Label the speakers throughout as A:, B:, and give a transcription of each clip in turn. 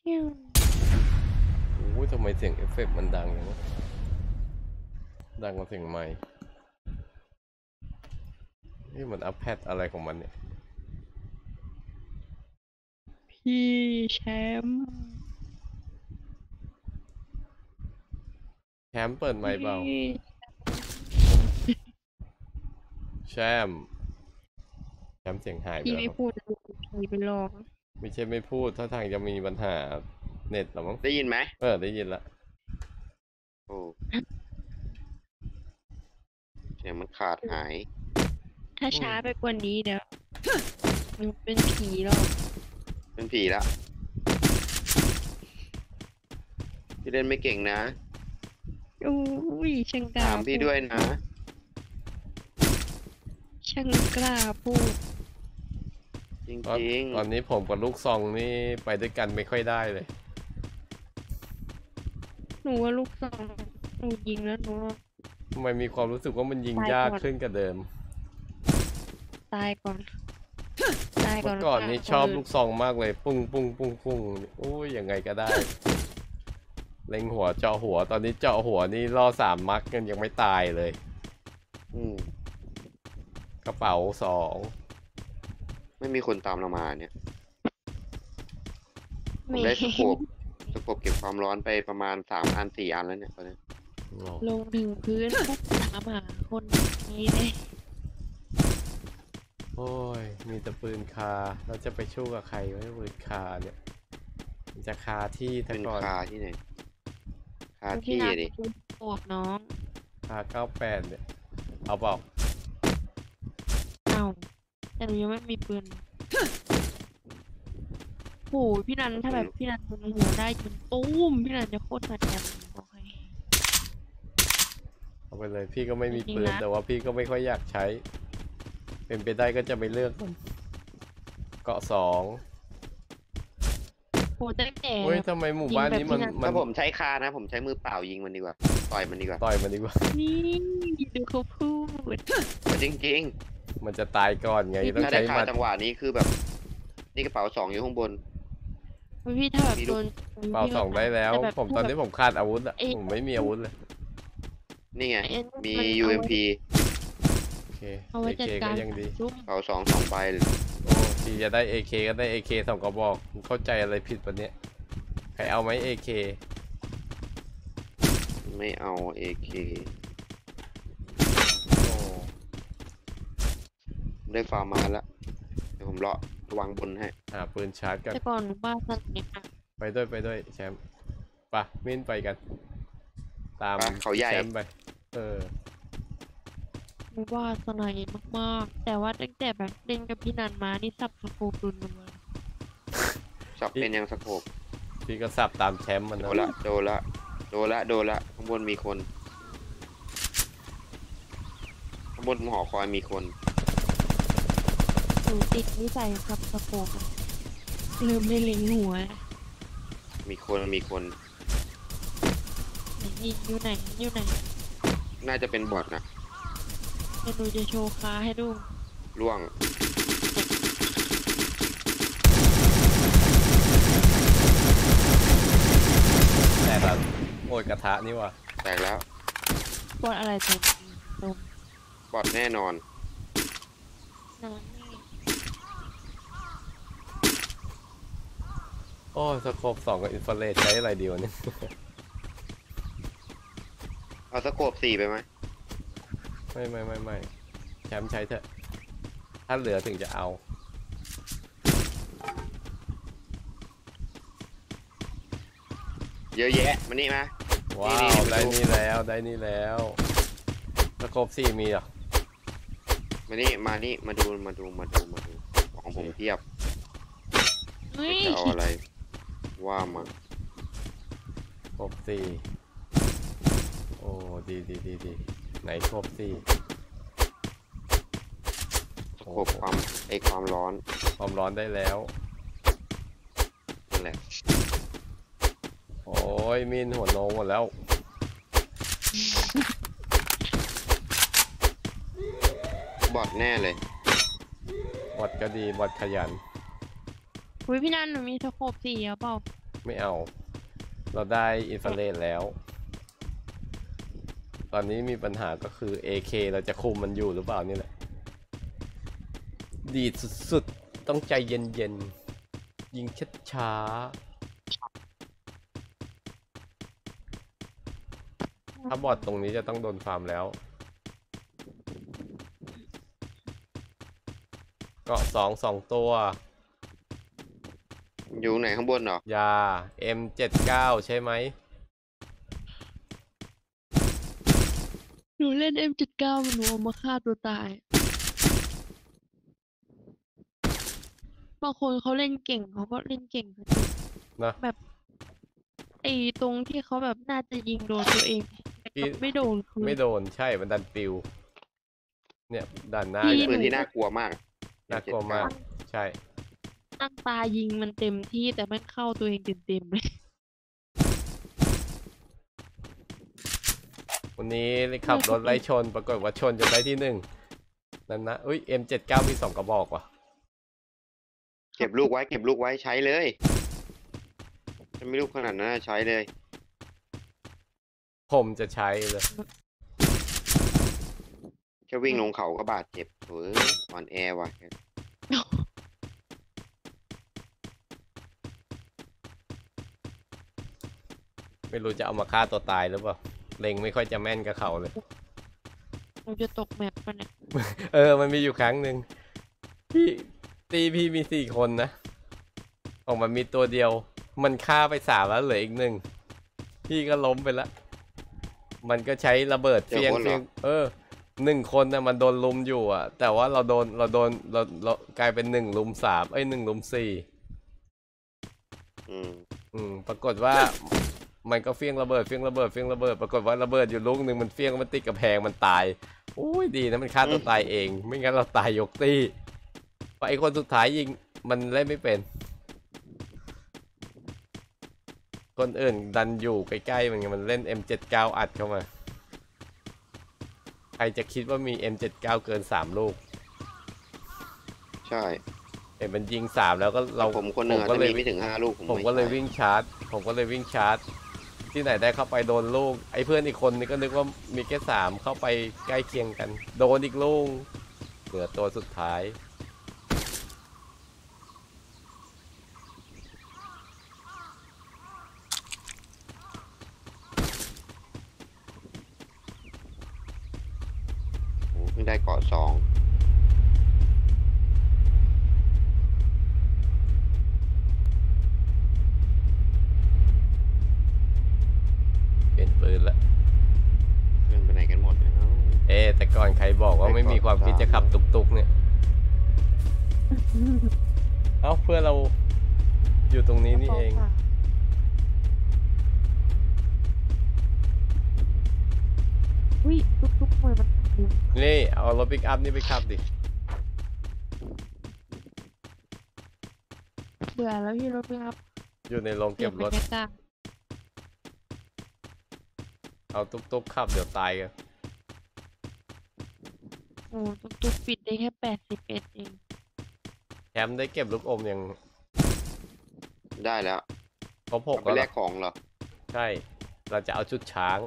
A: โอ้ยทำไมเสียงเอฟเฟกต์มันดังอย่างนี้ดังกว่าเสียงไมค์นี่มันอัพแพดอะไรของมันเนี่ย
B: พี่แชมป์
A: เปิดไมค์เปล่าแชมป์เสียงหายไป
B: พี่
A: แล้วครับ
B: ไม่พูดพี่ไปลอง
A: ไม่ใช่ไม่พูดถ้าทางจะมีปัญหาเน็ตหรอมั้ง
C: ได้ยินไหม
A: ได้ยินละ
C: โอ้เสียงมันขาดหาย
B: ถ้าช้าไปกว่านี้เดี๋ยวมันเป็นผีหรอก
C: เป็นผีละพี่เล่นไม่เก่งนะ
B: อุ้ยช่างกล้า
C: ถามพี่ด้วยนะ
B: ช่างกล้าพูด
C: จริง
A: ตอนนี้ผมกับลูกซองนี่ไปด้วยกันไม่ค่อยได้เลย
B: หนูว่าลูกสองหนูยิงแล้วหนู
A: ทำไมมีความรู้สึกว่ามันยิงยากขึ้นกว่าเดิม
B: ตายก่อน
A: เมื่อก่อนนี้ชอบลูกซองมากเลยปุ้งปุ้งปุ้งปุ้งโอ้ยยังไงก็ได้เล็งหัวเจาะหัวตอนนี้เจาะหัวนี่ล่อ3 มัดกันยังไม่ตายเลยกระเป๋า2
C: ไม่มีคนตามเรามาเนี่ยผมได้สโคปเก็บความร้อนไปประมาณ3 อัน 4 อันแล้วเนี่ยตอนนี้
B: ลงถึงพื้นปุ๊บถามหาคนนี้เลย
A: โอ้ยมีแต่ปืนคาเราจะไปชู้กับใครวะปืนคาเนี่ยจะคาที่แต่ก่อน
C: คาที่ไหนคาที่ดิ
B: ปวดน้อง
A: คา98เนี่ยเอาเปล่า
B: เอาแต่หนูยังไม่มีปืนโหพี่นันถ้าแบบพี่นันเป็นหัวได้ยิงตุ้มพี่นันจะโคตรแสบบอกให้
A: เอาไปเลยพี่ก็ไม่มีปืนแต่ว่าพี่ก็ไม่ค่อยอยากใช้เป็นไปได้ก็จะไปเลือกเกาะ2
B: โหตั้งแต่
A: เฮ้ยทำไมหมู่บ้านนี้มัน
C: ถ้าผมใช้คานะผมใช้มือเปล่ายิงมันดีกว่าต่อยมันดีกว่า
B: นี่ดูเขาพูด
C: จริง
A: มันจะตายก่อนไง
C: ต้องใช้คาจังหวะนี้คือแบบนี่กระเป๋า2อยู่ข้างบน
B: พี่ถ้าแบบโดน
A: เป๋า2ได้แล้วผมตอนนี้ผมขาดอาวุธอะผมไม่มีอาวุธเลย
C: นี่ไงมี UMP
A: โอเค AK ก็ยังดี
C: เป๋า2 ใบ
A: โอ้ทีจะได้ AK ก็ได้ AK 2 กระบอกเข้าใจอะไรผิดปะเนี่ยใครเอาไหม AK
C: ไม่เอา AK
A: โอ้
C: ได้ฟาร์มมาแล้วเดี๋ยวผมเลาะวางบนให้
A: ปืนชาร์จกัน
B: แต่ก่อนบ้านสนิท
A: ไปด้วยแชมป์ปะมิ้นไปกันตาม
C: เขาใหญ่
A: แชมป์ไป
B: ว่าสนายมากๆแต่ว่าตั้งแต่แบบเล่นกับพี่นันมานี่สับสโคปรุนมา
C: สับเป็นยังสโคป
A: พี่ก็สับตามแชมป์มัน
C: โดนละข้างบนมีคนข้างบนหอคอยมีคน
B: หนูติดนิสัยสับสโคปลืมไม่เล็งหัว
C: มีคน
B: อยู่ไหน
C: น่าจะเป็นบอทนะ
B: เดี๋ยวหนูจะโชว์ค้าให้ดู
C: ล่วง
A: แตกแล้วโอ้ยกระทะนี่ว่ะ
C: แตกแล้ว
B: บอทอะไรตัว
C: บอทแน่นอน
A: โอ้สโคป2กับอินฟราเรดใช้อะไรดีวะเนี่ย
C: เอาสโคป4ไปไหม
A: ไม่แชมป์ใช้เถอะถ้าเหลือถึงจะเอา
C: เยอะแยะมานี่มา
A: ว้าวได้นี่แล้วสโคป4มีเหรอ
C: มานี่มาดูของผมเทียบจะเอาอะไรว่ามา
A: สโคป4โอ้ดีไหนสโคป4
C: สโคปความ
A: ร้อนได้แล้ว
C: นั่นแหละ
A: โอ้ยมินหัวโนหมดแล้ว
C: บอทแน่เลย
A: บอทก็ดีบอทขยัน
B: พี่นันหนูมีสโคป4เปล่า
A: ไม่เอา เราได้อินฟราเรดแล้ว ตอนนี้มีปัญหาก็คือ AK เราจะคุมมันอยู่หรือเปล่านี่แหละ ดีดสุดๆ ต้องใจเย็นๆ ยิงช้าๆ ถ้าบอดตรงนี้จะต้องโดนฟาร์มแล้ว เกาะ2 ตัว
C: อยู่ไหนข้างบนเหรอ
A: ยา M79 ใช่ไหม
B: หนูเล่น M79 มันหนูเอามาฆ่าตัวตาย บางคนเขาเล่นเก่งเขาก็เล่นเก่งก็จริง
A: นะ
B: แบบไอ้ตรงที่เขาแบบน่าจะยิงโดนตัวเองแต่กลับไม่โดนคือ
A: ไม่โดนใช่ มันดันปิว เนี่ยด้านหน้า
B: พี่
A: เนี่ย
C: ปืนที่น่ากลัวมาก
A: น่ากลัวมาก ใช่
B: ตั้งตายิงมันเต็มที่แต่มันเข้าตัวเองเต็มๆเลย
A: วันนี้ขับรถไล่ชน ปรากฏว่าชนจนได้ที่ 1 นั่นนะอุ้ย M79 มี2 กระบอกว่ะ
C: เก็บลูกไว้เก็บลูกไว้ใช้เลยถ้าไม่ลูกขนาดนั้นใช้เลย
A: ผมจะใช้เลย
C: แค่วิ่งลงเขาก็บาดเจ็บเฮ้ยอ่อนแอว่ะ
A: ไม่รู้จะเอามาฆ่าตัวตายหรือเปล่า เล็งไม่ค่อยจะแม่นกับเขาเลย
B: หนูจะตกแมปปะเนี่ย
A: มันมีอยู่ครั้งหนึ่งพี่มี4 คนนะ ออกมามีตัวเดียว มันฆ่าไป3แล้วเหลืออีก 1 พี่ก็ล้มไปแล้ว มันก็ใช้ระเบิดเฟียง1 คนนะมันโดนลุมอยู่อ่ะ แต่ว่าเรากลายเป็น1 ลุม 3 1 ลุม 4 ปรากฏว่า มันก็เฟี้ยงระเบิด ปรากฏว่าระเบิดอยู่ลูกหนึ่งมันเฟี้ยงมันติดกระแพงมันตาย โอ้ยดีนะมันฆ่าตัวตายเอง ไม่งั้นเราตายยกตี้เพราะไอ้คนสุดท้ายยิงมันเล่นไม่เป็น คนอื่นดันอยู่ใกล้ๆมันเล่น M79 อัดเข้ามา ใครจะคิดว่ามี M79 เกิน3 ลูก
C: ใช่
A: เห็นมันยิง3แล้วก็เรา
C: ผมคนหนึ่ง
A: ก็
C: จะ
A: เล
C: มี
A: ย
C: ไม่ถึง5 ลูก
A: ผมก็เลยวิ่งชาร์จ ที่ไหนได้เข้าไปโดนลูก ไอ้เพื่อนอีกคนนี่ก็นึกว่ามีแค่3เข้าไปใกล้เคียงกัน โดนอีกลูกเหลือตัวสุดท้าย
C: เพิ่งได้เกาะ2
A: เปลี่ยนปืนละ
C: เพื่อนไปไหนกันหมดเนี่ยเนาะ
A: แต่ก่อนใครบอกว่าไม่มีความคิดจะขับตุกๆเนี่ย เอ้าเพื่อนเราอยู่ตรงนี้นี่เอง
B: อุ้ยทุกๆมือมันยิง
A: นี่เอารถปิกอัพนี่ไปขับดิ
B: เบื่อแล้วพี่รถพี่ครับ
A: อยู่ในโรงเก็บรถ
B: บรรยากาศ
A: เอาตุกๆขับเดี๋ยวตายกัน
B: โอ้ตุ๊กปิดได้แค่81เอง
A: แชมป์ได้เก็บลูกอมยัง
C: ได้แล้ว
A: ครบ
C: เอา
A: 6
C: ไป
A: แล้ว
C: แล
A: เหรอก
C: ของเหรอ
A: ใช่ เราจะเอาชุดช้าง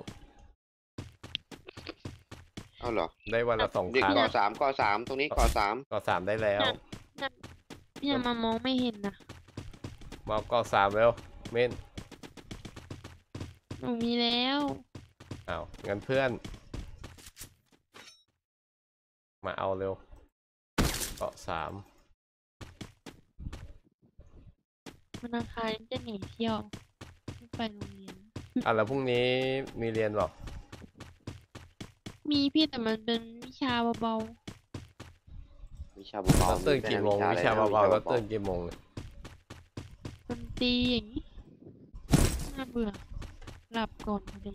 C: เอาเหรอ
A: ได้วันละ2
C: เด็ก
A: ครั้ง
C: เกาะ3ตรงนี้เกาะ3
A: ก็3ได้แล้ว
B: เนี่ยมามองไม่เห็นนะ
A: มาเอาก็3แล้วเม่น
B: หนูมีแล้ว
A: อ้าวงั้นเพื่อน มาเอาเร็วเกาะ3
B: วันอังคารจะหนีเที่ยวไม่ไปโรงเรียน
A: แล้วพรุ่งนี้มีเรียนหรอ
B: มีพี่แต่มันเป็นวิชาเบา
C: วิชาเบา
A: แล้ว
C: ๆ
A: ตื่นกี่โมง วิชาเบาๆแล้วตื่นกี่โมง
B: ๆดนตรีอย่างนี้น่าเบื่อหลับก่อนพอดี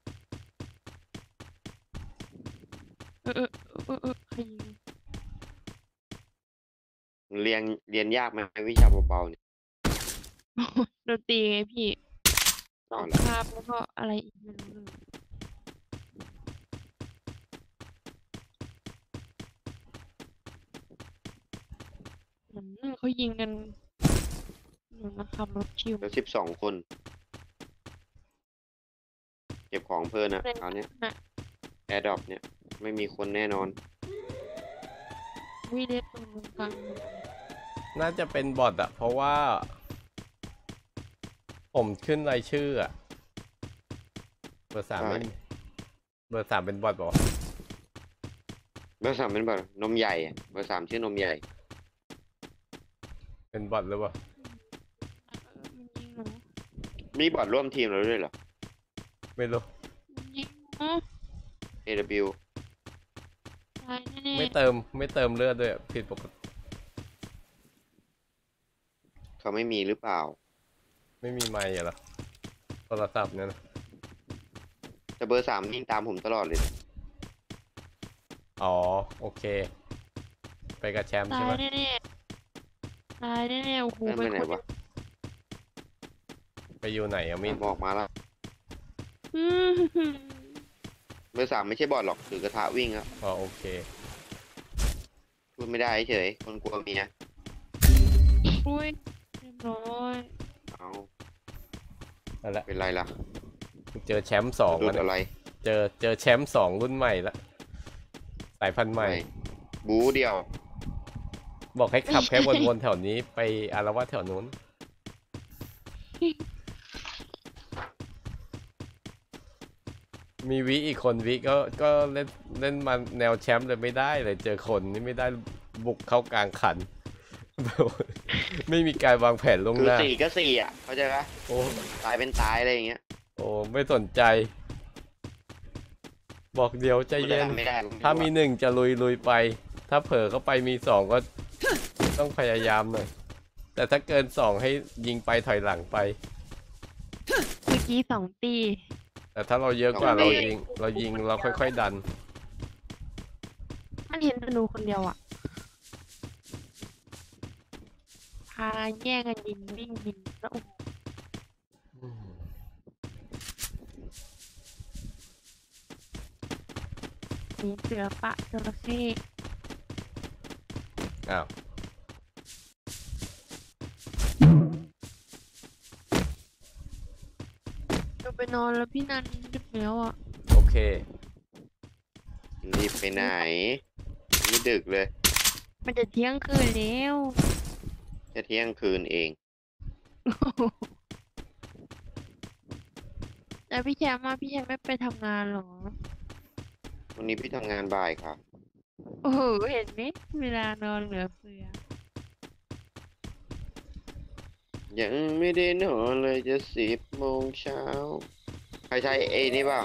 B: ใครยิง
C: เรียนยากไหมวิชาเบาๆเนี่ย
B: ดนตรีไงพี่สอ
C: เอา
B: ง
C: เหรอ
B: คาบแล้วก็อะไรอีกไม่รู้เลยเขายิงกันหนูมาขับรถชิว
C: แล้ว12 คน เก็บของเพิ่นนะเอาเนี้ย
B: น่ะ
C: แอร์ดรอปเนี่ย ไม่มีคนแน่นอน
B: วิเล็บตรงกลาง
A: น่าจะเป็นบอทอะเพราะว่า ผมขึ้นรายชื่ออะเบอร์ 3
C: ใช่
A: ไม่เบอร์ 3เป็นบอทบอก
C: เบอร์ 3เป็นแบบนมใหญ่อะเบอร์ 3ชื่อนมใหญ่
A: เป็นบอทหรือเปล่า
B: มันยิงหนู
C: มีบอทร่วมทีมเราด้วยเหรอ
A: ไม่รู้
B: มันยิงหนู
C: AW
B: ตายแน่
A: ไม่เติมเลือดด้วยอะผิดปกติ
C: เขาไม่มีหรือเปล่า
A: ไม่มีไมค์เหรอโทรศัพท์เนี่ยนะ
C: แต่เบอร์ 3ยิงตามผมตลอดเลย
A: อ๋อโอเค ไปกับแชมป์
B: ตา
A: ใช่
B: ย
A: ไหม
B: แน่ๆตายแน่ๆโอ้โห
C: เพื่อนไปไหน
B: เป็นคน
C: วะ
A: ไปอยู่ไหนอะมิน
C: บอกมาแล้ว
B: อื้อหือ
C: เบอร์ 3ไม่ใช่บอทหรอกถือกระทะวิ่งครับ
A: อ๋อโอเค
C: พูดไม่ได้เฉยคนกลัวเมีย
B: อุ้ยเรียบร้อย
C: เอา
A: นั่นแหละ
C: เป็นไรล่ะ
A: เจอแชมป์สอง
C: รุ
A: แล้ว
C: ด
A: เนี่ย
C: อะไร
A: เจอแชมป์2รุ่นใหม่ละสายพันธุ์ใหม่
C: บูเดียว
A: บอกให้ขับแค่วนๆแถวนี้ไปอารวาสแถวนู้น มีวิอีกคนวิก็เล่นมาแนวแชมป์เลยไม่ได้เลยเจอคนนี่ไม่ได้บุกเข้ากลางขัน ไม่มีการวางแผนล่วง
C: คือ
A: หน้า
C: 4 ก็ 4อ่ะ เข้าใจปะ
A: โอ้
C: ตายเป็นตายอะไรอย่างเงี้ย
A: โอ้ไม่สนใจ บอกเดี๋ยวใจเย็น
C: ไม่ได้
A: ถ้ามี1จะลุยไป ถ้าเผลอเข้าไปมี2ก็ต้องพยายามหน่อย แต่ถ้าเกิน2ให้ยิงไปถอยหลังไป
B: เมื่อกี้2 ตี
A: แต่ถ้าเราเยอะกว่าเรายิงเราค่อยๆดัน
B: มันเห็นแต่หนูคนเดียวอ่ะพาแย่งกันยิงวิ่งยิงแล้วโอ้โหมีเสือปะจระเข้
A: อ้าว
B: เราไปนอนแล้วพี่นันดึกแล้วอ่ะ
A: โอเค
C: รีบไปไหนนี่ดึกเลย
B: มันจะเที่ยงคืนแล้ว
C: จะเที่ยงคืนเอง
B: แล้วพี่แชมป์มาพี่แชมป์ไม่ไปทำงานเหรอ
C: วันนี้พี่ทำงานบ่ายครับ
B: โอ้โหเห็นไหมเวลานอนเหลือเฟือ
C: ยังไม่ได้นอนเลยจะ10 โมงเช้า ใครใช้ไอ้นี่เปล่า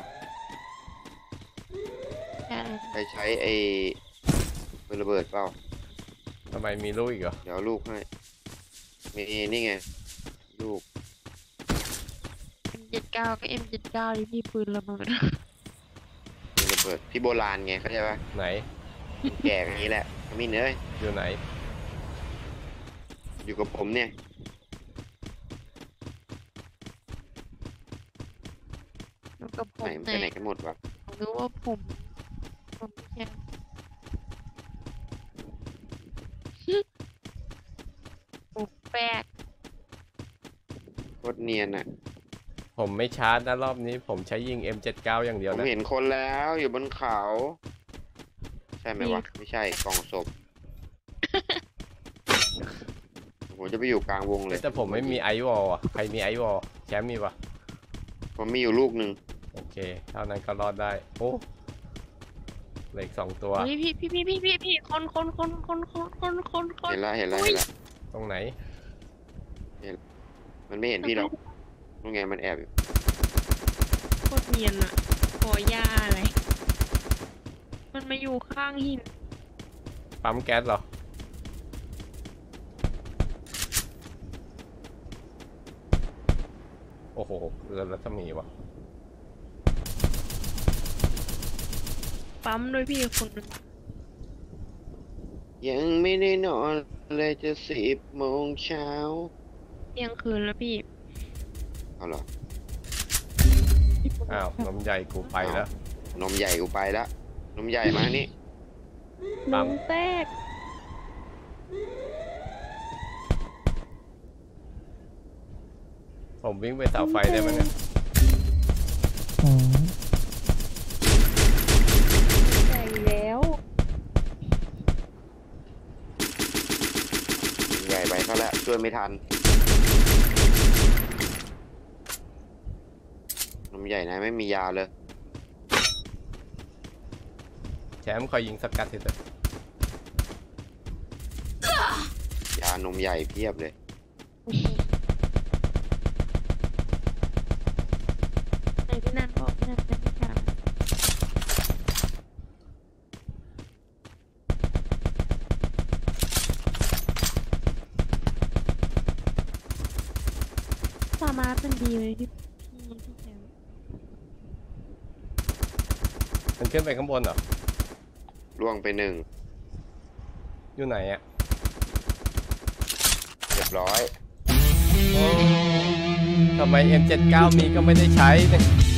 B: ใช่
C: ใครใช้ไอ้ปืนระเบิดเปล่า
A: ทำไมมีลูกอีกเหรอ
C: เดี๋ยวลูกให้ มีนี่ไง ลูก
B: M79 ก็ M79 ดิพี่ปืนระเบิด
C: ปืนระเบิด พี่โบราณไงเข้าใจปะ
A: ไหน
C: แก่อย่างนี้แหละขมิ้นเอ้ย
A: อยู่ไหน
C: อยู่กับผมเนี่ย
B: แล้วกับผ
C: ไหน
B: ม
C: มัน
B: ไหน
C: ไปไหนกันหมดวะ
B: รู้ว่าผมพี่แชมป์ปุกแปก
C: โคตรเนียนอ่ะ
A: ผมไม่ชาร์จนะรอบนี้ ผมใช้ยิง M79 อย่างเดียว
C: ผม
A: นะ
C: เห็นคนแล้วอยู่บนเขา ใช่ไหมวะ ไม่ใช่กล่องศพ ผมจะไปอยู่กลางวงเลย
A: แต่ผมไม่มีไอวอลอ่ะ ใครมีไอวอลแชมป์มีปะ
C: ผมมีอยู่ลูกหนึ่ง
A: โอเค เท่านั้นก็รอดได้ โอ้เหลืออีก2ตัว
B: เฮ้ยพี่คน
C: เห็นแล้วเห็นแล้ว
B: อุ๊
C: เห็
B: ย
C: นแล้ว
A: ตรงไหน
C: มันไม่เห็นพี่หรอกนู่นไงมันแอบอยู่
B: โคตรเนียนอะขอย่าอะไร มันมาอยู่ข้างหิน
A: ปั๊มแก๊สเหรอ โอ้โหเรือรัศมีวะ
B: ปั๊มด้วยพี่คนหนึง
C: ยังไม่ได้นอนเลยจะ10 โมงเช้า
B: เที่ยงคืนแล้วพี่
C: เอาเหรอ
A: อ้าว นมใหญ่กูไปแล้ว
C: นมใหญ่กูไปแล้วนมใหญ่มานี่
A: ปั๊
B: น้อ
A: ม
B: งแตก
A: ผมวิ่งไปเสาไฟได้ไหมเนี่ย
D: อืม
B: ใจแล้ว
C: ใหญ่ไปเขาแล้วช่วยไม่ทันนมใหญ่นะไม่มียาเลย
A: แชมป์คอยยิงสกัดทีเถอะ
C: ยานมใหญ่เพียบเลย
B: ไหนพี่นันบอกพี่นันเป็นผู้ชายสามารถเป็นดีไหมพี่แชมป์
A: มันขึ้นไปข้างบนเหรอ
C: ล่วงไปหนึ่ง
A: อยู่ไหนอ่ะ
C: เรียบร้อย
A: ทำไม M79 มีก็ไม่ได้ใช้เนี่ย